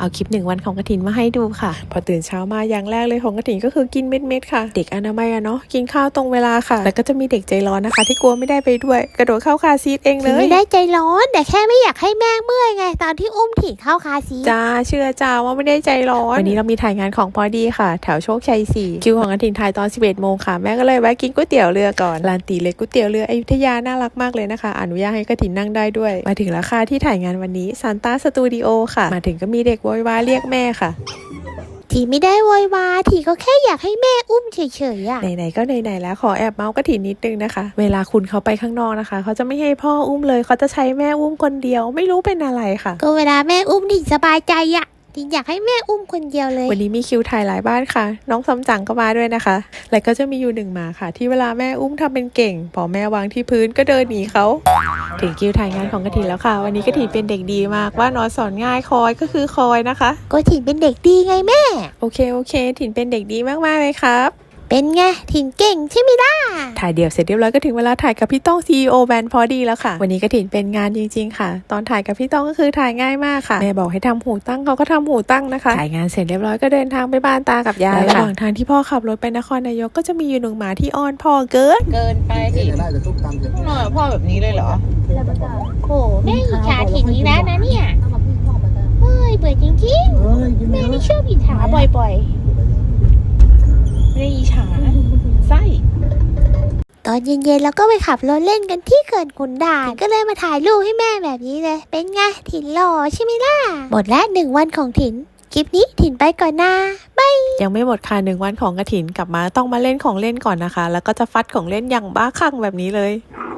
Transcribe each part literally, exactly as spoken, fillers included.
เอาคลิปหนึ่งวันของกฐินมาให้ดูค่ะพอตื่นเช้ามาอย่างแรกเลยของกฐินก็คือกินเม็ดๆค่ะเด็กอนามัยอะเนาะกินข้าวตรงเวลาค่ะแล้วก็จะมีเด็กใจร้อนนะคะที่กลัวไม่ได้ไปด้วยกระโดดเข้าคาซีทเองเลยไม่ได้ใจร้อนแต่แค่ไม่อยากให้แม่เมื่อยไงตอนที่อุ้มถิ่นเข้าคาซีทจ้าเชื่อจ้าว่าไม่ได้ใจร้อนวันนี้เรามีถ่ายงานของพอดีค่ะแถวโชคชัยสี่คิวของกฐินถ่ายตอนสิบเอ็ดโมงค่ะแม่ก็เลยแวะกินก๋วยเตี๋ยวเรือก่อนร้านตีเล็กก๋วยเตี๋ยวเรืออยุธยาน่ารักมากเลยนะคะอนุญาตให้กฐินนั่งได้ด้วยมาถึงราคาที่ถ่ายงานวันนี้ซานต้าสตูดิโอค่ะมาถึงก็มีเด็กโวยวายเรียกแม่ค่ะทีไม่ได้โวยวายทีก็แค่อยากให้แม่อุ้มเฉยๆอ่ะไหนๆก็ไหนๆแล้วขอแอบเมาส์กฐินนิดนึงนะคะเวลาคุณเขาไปข้างนอกนะคะเขาจะไม่ให้พ่ออุ้มเลยเขาจะใช้แม่อุ้มคนเดียวไม่รู้เป็นอะไรค่ะก็เวลาแม่อุ้มถิ่นสบายใจอ่ะถิ่นอยากให้แม่อุ้มคนเดียวเลยวันนี้มีคิวถ่ายหลายบ้านค่ะน้องซัมจั๋งก็มาด้วยนะคะแล้วก็จะมีอยู่หนึ่งหมาค่ะที่เวลาแม่อุ้มทำเป็นเก่งพอแม่วางที่พื้นก็เดินหนีเขาถึงคิวถ่ายงานของกฐินแล้วค่ะวันนี้กฐินเป็นเด็กดีมากว่านอนสอนง่ายคอยก็คือคอยนะคะก็ถิ่นเป็นเด็กดีไงแม่โอเคโอเคถิ่นเป็นเด็กดีมากๆเลยครับเป็นไงถิ่นเก่งใช่ไหมล่ะถ่ายเดี่ยวเสร็จเรียบร้อยก็ถึงเวลาถ่ายกับพี่ต้อง ซี อี โอ แบรนด์พอดีแล้วค่ะวันนี้กฐินเป็นงานจริงๆค่ะตอนถ่ายกับพี่ต้องก็คือถ่ายง่ายมากค่ะแม่บอกให้ทำหูตั้งเขาก็ทำหูตั้งนะคะถ่ายงานเสร็จเรียบร้อยก็เดินทางไปบ้านตากับยายระหว่างทางที่พ่อขับรถไปนครนายกก็จะมีอยู่หนึ่งหมาที่อ้อนพ่อเกินเกินไปอีกต้องนอนกับพ่อแบบนี้เลยเหรอโอ้แม่อิจฉาถิ่นนี้แล้วนะเนี่ยเฮ้ยเบื่อจริงๆแม่นี่ชอบอิจฉาบ่อยๆไม่ได้อิจฉาไส้ตอนเย็นๆเราก็ไปขับรถเล่นกันที่เขื่อนขุนด่านก็เลยมาถ่ายรูปให้แม่แบบนี้เลยเป็นไงถิ่นหล่อใช่ไหมล่ะหมดแล้วหนึ่งวันของถิ่นคลิปนี้ถิ่นไปก่อนนะบายยังไม่หมดค่ะหนึ่งวันของกฐินกลับมาต้องมาเล่นของเล่นก่อนนะคะแล้วก็จะฟัดของเล่นอย่างบ้าคลั่งแบบนี้เลย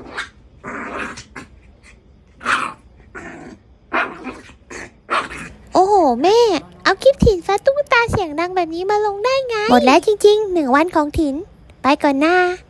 โอ้โหแม่เอาคลิปถิ่นฟัดตุ๊กตาเสียงดังแบบนี้มาลงได้ไงหมดแล้วจริงๆหนึ่งวันของถิ่นไปก่อนนะ